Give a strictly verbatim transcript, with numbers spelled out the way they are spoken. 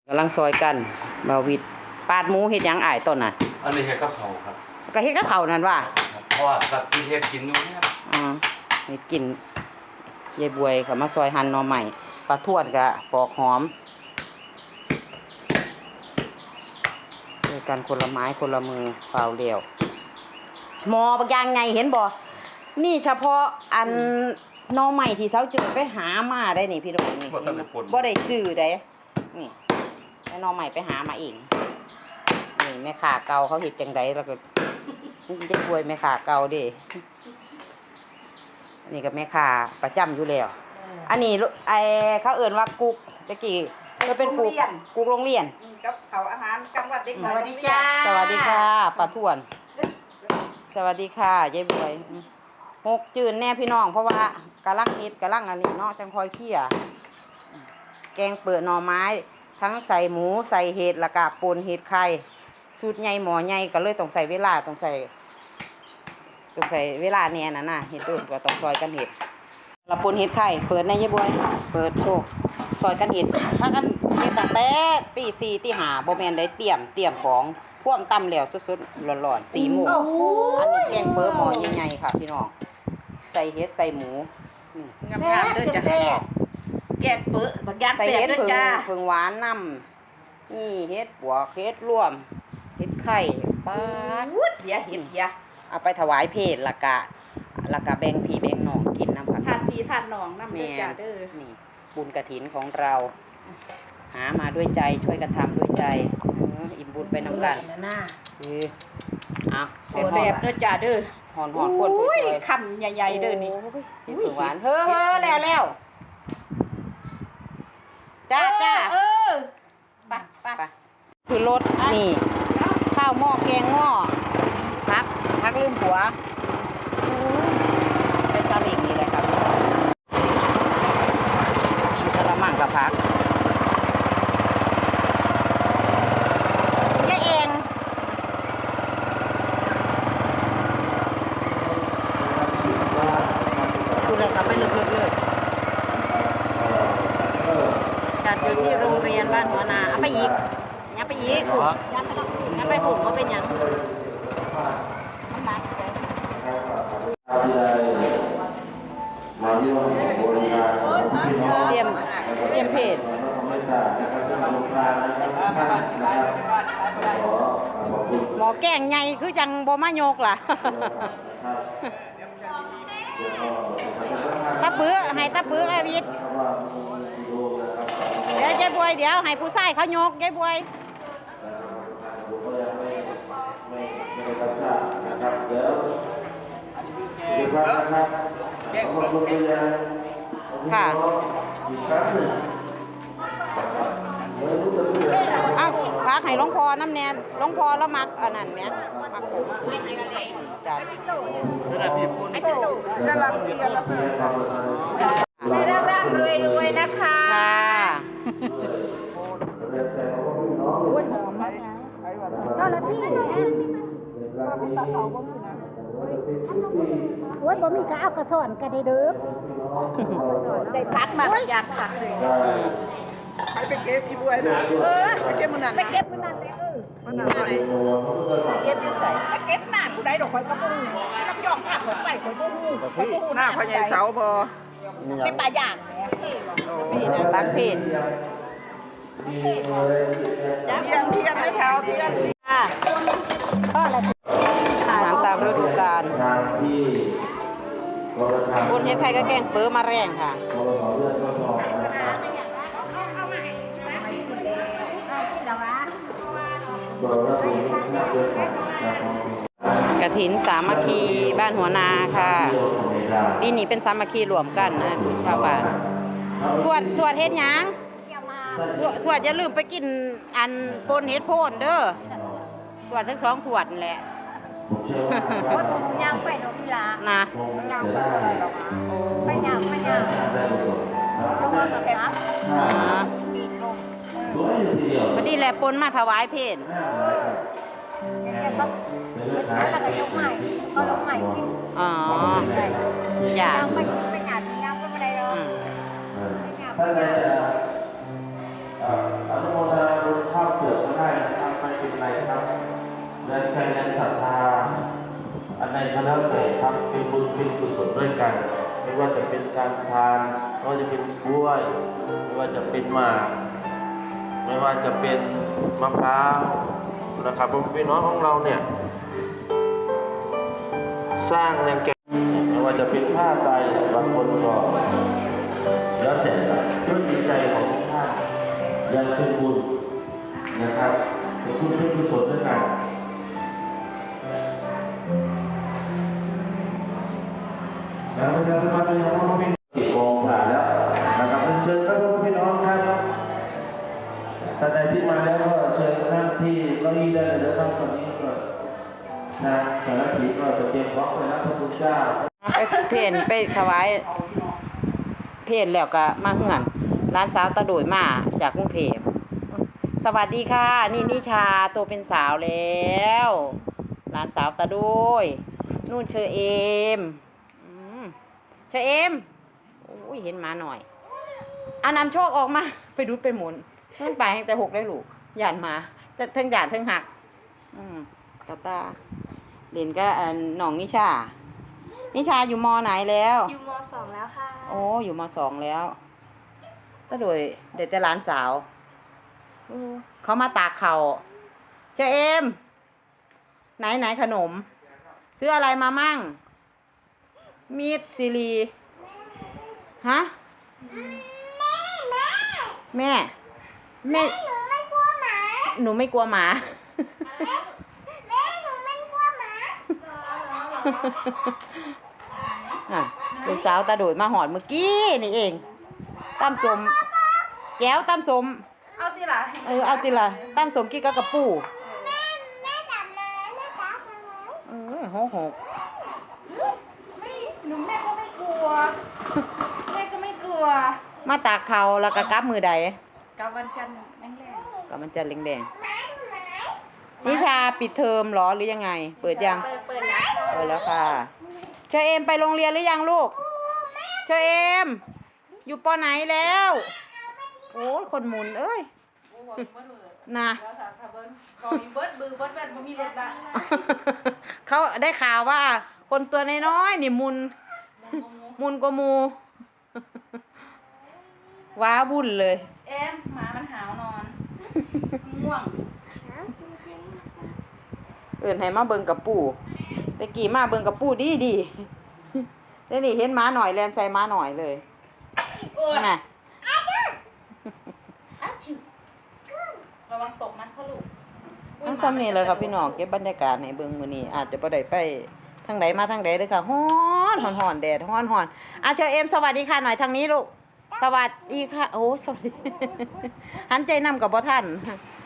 กำลังซอยกันบาวิดปาดหมูเฮ็ดหยังอ้ายต้นน่ะอันนี้เฮ็ดกับเขาครับก็เฮ็ดกับข้าวนั่นว่าเพราะว่ากับที่เฮ็ดกินอยู่นะครับอ๋อเฮ็ดกินยายบวยก็มาซอยหั่นหน่อไม้ปลาทวดก็ปอกหอมด้วยกันคนละไม้คนละมือเปล่าเดียวหมอบักอย่างไงเห็นบ่นี่เฉพาะอันหน่อไม้ที่เซาจืดไปหามาได้นี่พี่น้องนี่บ่ได้ซื้อได้นี่แล้วหน่อไม้ไปหามาเองนี่แม่ค้าเก่าเขาเฮ็ดจังไดแล้วก็จะช่วยแม่ค้าเก่าเด้อันนี้ก็แม่ค้าประจำอยู่แล้วอันนี้ไอ้เขาเอิ้นว่ากุ๊กตะกี้ก็เป็นกุ๊กกุ๊กโรงเรียนกับเขาอาหารกลางวันเด็กสวัสดีจ้าสวัสดีค่ะป้าทวนสวัสดีค่ะยายบวยหกจืนแน่พี่น้องเพราะว่ากะลังเฮ็ดกะลังอันนี้เนาะจังคอยเคี่ยแกงเปิดหน่อไม้ทั้งใส่หมูใส่เห็ดแล้วก็ป่นเห็ดไข่ชุดใหญ่หมอใหญ่ก็เลยต้องใส่เวลาต้องใส่ต้องใส่เวลาแน่น่ะนะเห็ดโดนก็ต้องซอยกันเห็ดละป่นเห็ดไข่เปิดในยายบวยเปิดโชว์ซอยกันเห็ดถ้ากันเฮ็ดตั้งแต่ตีสี่ตีห้าบ่แม่นได้เตรียมเตรียมของพ่วมตำแล้วสดๆร้อนๆสี่โมงอันนี้แกงเปิดหม้อใหญ่ๆค่ะพี่น้องใส่เห็ดใส่หมูนี่งามๆเด้อจ้ะแกงเปิ้ลบักย่างแซ่บเด้อจ้าเพิ่งหวานนำนี่เฮ็ดปวกเฮ็ดร่วมเฮ็ดไข่ปาดวุ้ดเดี๋ยวเห็ดเดี๋ยวเอาไปถวายเพลละกะละกะแบ่งพี่แบ่งน้องกินนำค่ะทานพี่ทานน้องนำเด้อจ้าเด้อนี่บุญกฐินของเราหามาด้วยใจช่วยกันทำด้วยใจอิ่มบุญไปนำกันคือเอาแซ่บๆเด้อจ้าเด้อหอนๆคนถ้วยคำใหญ่ๆเด้อนี่เฮ็ดเพิ่งหวานเฮ้อๆแล้วๆจ้าจ้าเออไปไปคือรถนี่ข้าวหม้อแกงหม้อพักพักลืมผัวไปซาเล้งนี่เลยครับกระมังกับพักยายเองดูเลยครับไปเลือกๆจัดอยู่ที่โรงเรียนบ้านหัวนาเอาไปอีกยังไปอีกขุดยังไปขุดก็เป็นยังเตรียมเตรียมเพจหมอแกงไงคือจังบ่มาโยกล่ะตะปื้อให้ตะปื้ออาวิทเดี๋ยวยายบวยเดี๋ยวให้ผู้ชายเขาโยกยายบวยค่ะเอ้าพักให้หลวงพ่อน้ำแน่หลวงพ่อแล้วมักอันนั้นไหมมักผมจัดไอ้ตู่จะรับเกียรติรับให้ร่ำๆรวยๆนะคะค่ะโอ้ยหอมมากก็ละพี่โอ้ยบ่มีก็เอากระสอนก็ได้เด้อได้พักมาอยากพักเลยไปไปเก็บอีบัวน่ะเออไปเก็บมื้อนั้นไปเก็บมื้อนั้นเออมื้อนั้นไปเก็บอยู่ไสไปเก็บหน้าผู้ใดดอกข่อยก็บ่ฮู้ที่รับยองภาคของไปข่อยบ่ฮู้ข่อยบ่ฮู้หน้าพ่อใหญ่เสาบ่มีปลาย่างนี่นะรักเพจเทียนเทียนไม่เท่าเทียนค่ะพ่อละอาหารตามฤดูกาลคนเฮ็ดไข่ก็แกงเปิ้ลมาแรงค่ะกฐินสามัคคีบ้านหัวนาค่ะปีนี้เป็นสามัคคีรวมกันนะชาวบ้านทวดทวดเฮ็ดหยังทวดอย่าลืมไปกินอันปนเฮ็ดโพนเด้อทวดทั้งสองทวดนั่นแหละย่างไปเนาะพี่ลานะไปย่างไปย่างต้องมาแบบนั้นอ๋อพอดีแหละปนมาถวายเพลแล้วก็ยกใหม่ก็ยกใหม่กินอ๋ออย่าย่างไปไปย่างย่างไปไม่ได้หรอกเป็นกุศลด้วยกัน ไม่ว่าจะเป็นการทานไม่ว่าจะเป็นกล้วย ไม่ว่าจะเป็นหมากไม่ว่าจะเป็นมะพร้าวนะครับพี่น้องของเราเนี่ยสร้างแนวแกนไม่ว่าจะเป็นผ้าไตรบางคนก็แล้วแต่ด้วยจิตใจของทุกท่านอยากเป็นบุญนะครับเป็นบุญเป็นกุศลด้วยกันแล้วประชาสัมพันธ์ไปยังพ่อพี่ติดกองผ่านแล้วนะครับเชิญครับพี่น้องครับท่านใดที่มาแล้วก็เชิญนั่งที่เก้าอี้ได้เลยนะครับตอนนี้ก็ทางสารพีก็จะเตรียมพร้อมไปรับพระคุณเจ้าไปเพนไปถวายเพนแล้วก็มาเฮือนร้านสาวตะโดยมาจากกรุงเทพสวัสดีค่ะนี่นิชาโตเป็นสาวแล้วร้านสาวตะโดยนู่นเชอเอมอืมเชอเอมโอ้ยเห็นหมาหน่อยอานำโชคออกมาไปดูดไปหมุนนู่นไปให้แต่หกได้ลูกหยาดมาแต่ทั้งหยาดทั้งหักอืมตาตาเด่นก็อันหนองนิชานิชาอยู่มอไหนแล้วอยู่มสองแล้วค่ะโอ้อยู่มสองแล้วก็โดยเด็กแต่หลานสาวอู้เขามาตากเขาเชอเอมไหนไหนขนมซื้ออะไรมามั่งมีดซีรีฮะแม่แม่หนูไม่กลัวหมาหนูไม่กลัวหมาแม่หนูไม่กลัวหมาอ่ะลูกสาวตาโดยมาหอดเมื่อกี้นี่เองตำสมแก้วตำสมเอาติล่ะเออเอาติละตำสมกี้กับกระปูแม่แม่จับเลยแม่จับเลยเออหกหกไม่หนูแม่ก็ไม่กลัวแม่ก็ไม่กลัวมาตากเขาแล้วก็กลับมือใดกับวันจันทร์แรงกับมันจะแดงแดงๆนิชาปิดเทอมเหรอหรือยังไง เปิดยังเปิดเปิดแล้วค่ะเปิดแล้วค่ะเชอเอมไปโรงเรียนหรือยังลูกเชอเอมอยู่ปอไหนแล้วโอ้ยคนหมุนเอ้ยๆโอ้โหเบิดเบิดนะแล้วสาวทะเบิ้ลก่อมีเบิดบือเบิดแว่นบ่มีรถละเขาได้ข่าวว่า คนตัวน้อยๆนี่มุน มุนกว่าหมู ว้าวุ่นเลยเอ็มหมามันหาวนอนง่วงเอื่นให้มาเบิ่งกับปู่แต่กี้มาเบิ่งกับปู่ดีดีเดี๋ยวนี้เห็นหม้าหน่อยแลนใส่หม้าหน่อยเลยโอ้ยน่ะอ้าวชิวระวังตกมันเขาลูกทั้งซ้ำนี่เลยครับพี่น้องเก็บบรรยากาศให้เบิ่งมื้อนี้อาจจะบ่ได้ไปทางใดมาทางใดเด้อค่ะฮ้อนฮ้อนฮ้อนแดดฮ้อนฮ้อนอ่ะเชิญเอ็มสวัสดีค่ะหน่อยทางนี้ลูกสวัสดีค่ะโอ้สวัสดี หันใจนำกับบ่ทัน